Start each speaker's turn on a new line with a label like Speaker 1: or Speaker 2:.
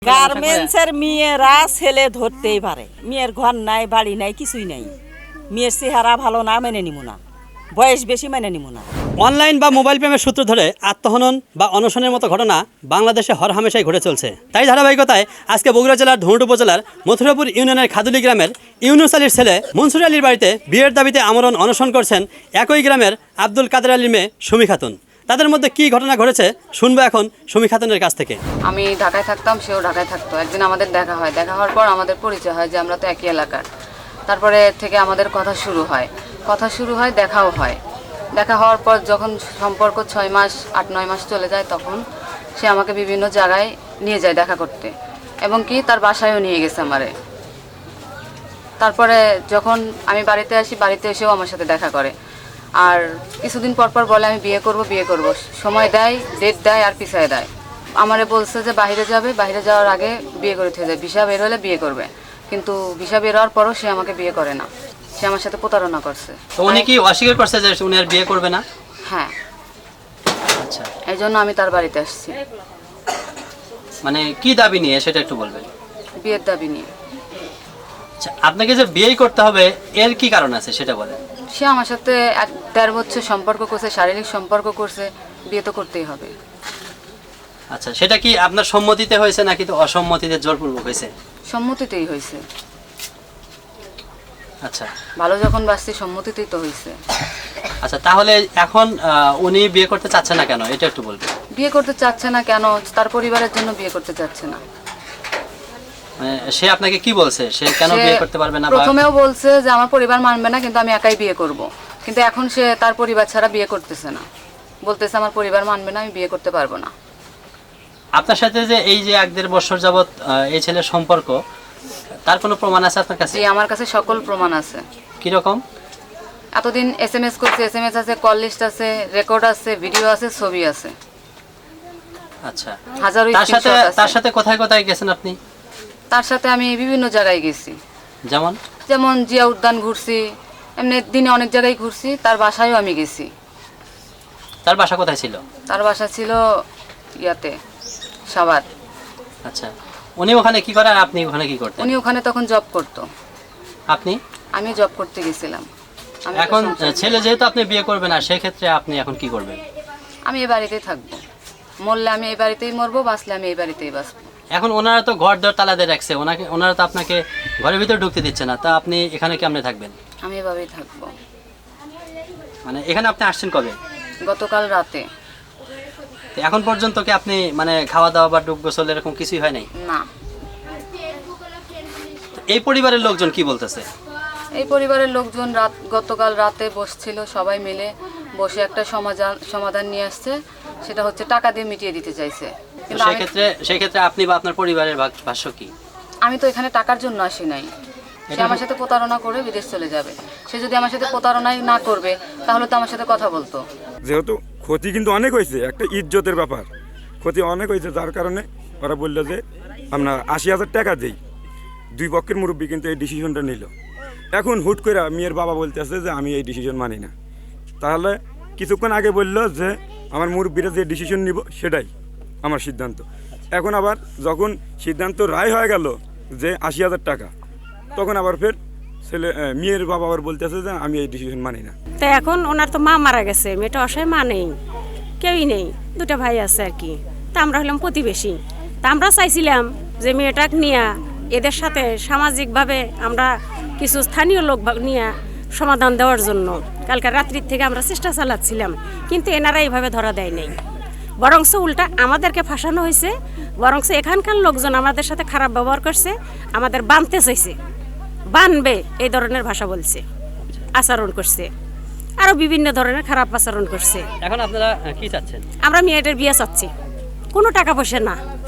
Speaker 1: গার্মেন্টসের মেয়েরা ছেলে ধরতেই পারে। মেয়ের ঘর নাই, বাড়ি নাই, কিছুই নাই। মেয়ের চেহারা ভালো না, মেনে নিব না। বয়স বেশি, মেনে নিব না।
Speaker 2: অনলাইন বা মোবাইল প্রেমের সূত্র ধরে আত্মহনন বা অনশনের মতো ঘটনা বাংলাদেশে হরহামেশাই ঘটে চলছে। তাই ধারাবাহিকতায় আজকে বগুড়া জেলার ধুনট উপজেলার মথুরাপুর ইউনিয়নের খাদুলি গ্রামের ইউনুস আলীর ছেলে মনসুর আলীর বাড়িতে বিয়ের দাবিতে আমরণ অনশন করছেন একই গ্রামের আব্দুল কাদের আলীর মেয়ে সুমি খাতুন। তাদের মধ্যে কি ঘটনা ঘটেছে শুনবো এখন সুমি খাতুনের কাছ থেকে।
Speaker 3: আমি ঢাকায় থাকতাম, সেও ঢাকায় থাকতো। একদিন আমাদের দেখা হয়, দেখা হওয়ার পর আমাদের পরিচয় হয় যে আমরা তো একই এলাকার। তারপরে থেকে আমাদের কথা শুরু হয়, দেখাও হয়। দেখা হওয়ার পর যখন সম্পর্ক 6 মাস 8-9 মাস চলে যায়, তখন সে আমাকে বিভিন্ন জায়গায় নিয়ে যায় দেখা করতে, এবং কি তার বাসায়ও নিয়ে গেছে আমারে। তারপরে যখন আমি বাড়িতে আসি, বাড়িতে এসেও আমার সাথে দেখা করে। আর কিছুদিন পর পর বলে আমি বিয়ে করব। সময় দেয়, ডেট দেয়, আর পিছায় দেয়। আমারে বলছে যে বাইরে যাবে, বাইরে যাওয়ার আগে বিয়ে করে থেকে যায়, ভিসা বের হলে বিয়ে করবে। কিন্তু ভিসা বের হওয়ার পরও সে আমাকে বিয়ে করে না। সে আমার সাথে প্রতারণা করছে।
Speaker 2: তো উনি কি অস্বীকার করছে যে উনি আর বিয়ে করবে না?
Speaker 3: হ্যাঁ।
Speaker 2: আচ্ছা,
Speaker 3: এই জন্য আমি তার বাড়িতে আসছি।
Speaker 2: মানে কি দাবি নিয়ে সেটা একটু বলবেন।
Speaker 3: বিয়ের দাবি নিয়ে।
Speaker 2: আচ্ছা, আপনাকে যে বিয়ে করতে হবে এর কি কারণ আছে সেটা বলেন।
Speaker 3: সে আমার সাথে 1-1.5 বছর সম্পর্ক করছে, শারীরিক সম্পর্ক করছে, বিয়ে তো করতেই হবে।
Speaker 2: আচ্ছা, সেটা কি আপনার সম্মতিতে হয়েছে নাকি তো অসম্মতিতে জোরপূর্বক হয়েছে?
Speaker 3: সম্মতিতেই হয়েছে।
Speaker 2: আচ্ছা,
Speaker 3: ভালো যখন বাসছি, সম্মতিতেই তো হয়েছে।
Speaker 2: আচ্ছা, তাহলে এখন উনি বিয়ে করতে চাচ্ছে না কেন এটা একটু বলবেন।
Speaker 3: বিয়ে করতে চাচ্ছে না কেন? তার পরিবারের জন্য বিয়ে করতে চাচ্ছে না।
Speaker 2: মানে সে আপনাকে কি বলছে, সে কেন বিয়ে করতে পারবে না?
Speaker 3: প্রথমেও বলছে যে আমার পরিবার মানবে না, কিন্তু আমি একাই বিয়ে করব। কিন্তু এখন সে তার পরিবার ছাড়া বিয়ে করতেছে না। বলতেছে আমার পরিবার মানবে না, আমি বিয়ে করতে পারবো না।
Speaker 2: আপনার সাথে যে এই যে 1-1.5 বছর যাবত এই ছেলের সম্পর্ক, তার কোনো প্রমাণ আছে আপনার কাছে?
Speaker 3: জি, আমার কাছে সকল প্রমাণ আছে।
Speaker 2: কি রকম?
Speaker 3: এতদিন SMS করছে, SMS আছে, কল লিস্ট আছে, রেকর্ড আছে, ভিডিও আছে, ছবি আছে।
Speaker 2: আচ্ছা,
Speaker 3: হাজারো
Speaker 2: তার সাথে কোথায় কোথায় গেছেন আপনি?
Speaker 3: তার সাথে আমি বিভিন্ন জায়গায় গেছি।
Speaker 2: যেমন
Speaker 3: জিয়া উদ্যান ঘুরছি, এমনি দিনে অনেক জায়গায় ঘুরছি। তার বাসায়ও আমি গেছি।
Speaker 2: তার বাসা কোথায় ছিল?
Speaker 3: তার বাসা ছিল ইয়াতে, সাভার।
Speaker 2: আচ্ছা, উনি ওখানে কি করে আর আপনি ওখানে কি করতেন?
Speaker 3: উনি ওখানে তখন জব করতো।
Speaker 2: আপনি?
Speaker 3: আমি জব করতে গেছিলাম।
Speaker 2: এখন ছেলে যেহেতু আপনি বিয়ে করবেন না, সেই ক্ষেত্রে আপনি এখন কি করবেন?
Speaker 3: আমি এই বাড়িতেই থাকবো। মরলে আমি এই বাড়িতেই মরবো, বাঁচলে আমি এই বাড়িতেই বাঁচবো।
Speaker 2: এখন ওনারা তো ঘর দর তালা দিয়ে রাখছে, ওনারা তো আপনাকে ঘরের ভিতরে ঢুকতে দিচ্ছে না, তা আপনি এখানে কেমনে থাকবেন?
Speaker 3: আমি এভাবেই থাকবো।
Speaker 2: মানে এখানে আপনি আসছেন কবে?
Speaker 3: গতকাল রাতে।
Speaker 2: তো এখন পর্যন্ত কি আপনি মানে খাওয়া দাওয়া বা ডুব গোসল এরকম কিছুই হয় নাই?
Speaker 3: না।
Speaker 2: এই পরিবারের লোকজন কি বলতেছে?
Speaker 3: এই পরিবারের লোকজন গতকাল রাতে বসছিল, সবাই মিলে বসে একটা সমাধান নিয়ে আসছে। সেটা হচ্ছে টাকা দিয়ে মিটিয়ে দিতে চাইছে। কিন্তু
Speaker 2: সেই ক্ষেত্রে আপনি বা আপনার পরিবারের ভাষ্য কি?
Speaker 3: আমি তো এখানে টাকার জন্য আসি নাই। সে আমার সাথে প্রতারণা করে বিদেশ চলে যাবে। সে যদি আমার সাথে প্রতারণাই না করবে, তাহলে তো আমার সাথে কথা বলতো।
Speaker 4: যেহেতু ক্ষতি কিন্তু অনেক হয়েছে, একটা ইজ্জতের ব্যাপার, ক্ষতি অনেক হয়েছে, যার কারণে ওরা বললো যে আমরা 80,000 টাকা দিই। দুই পক্ষের মুরব্বী কিন্তু এই ডিসিশনটা নিল। এখন হুট করে মেয়ের বাবা বলতেছে যে আমি এই ডিসিশন মানি না। তাহলে কিছুক্ষণ আগে বললো যে আমার মুরব্বীরা যে ডিসিশন নিব সেটাই আমার সিদ্ধান্ত। এখন আবার যখন সিদ্ধান্ত রায় হয়ে গেল যে 80,000 টাকা, তখন আবার ফের মেয়ের বাবা আবার বলতেছে যে আমি এই ডিসিশন মানি না।
Speaker 5: তো এখন ওনার তো মা মারা গেছে, মেয়েটা অসহায়, মা নেই, কেউই নেই, 2টা ভাই আছে আর কি। তা আমরা হলাম প্রতিবেশী। তা আমরা চাইছিলাম যে মেয়েটাকে নিয়ে এদের সাথে সামাজিকভাবে আমরা কিছু স্থানীয় লোক নিয়ে সমাধান দেওয়ার জন্য কালকে রাত্রির থেকে আমরা চেষ্টা চালাচ্ছিলাম, কিন্তু এনারা এইভাবে ধরা দেয় নাই। বরংস উল্টা আমাদেরকে ফাঁসানো হয়েছে। বরংস এখানকার লোকজন আমাদের সাথে খারাপ ব্যবহার করছে, আমাদের বানতে চাইছে, বানবে এই ধরনের ভাষা বলছে, আচরণ করছে, আরো বিভিন্ন ধরনের খারাপ আচরণ করছে।
Speaker 2: এখন আপনারা কি চাচ্ছেন?
Speaker 5: আমরা মেয়েটার বিয়ে চাচ্ছি, কোনো টাকা পয়সা না,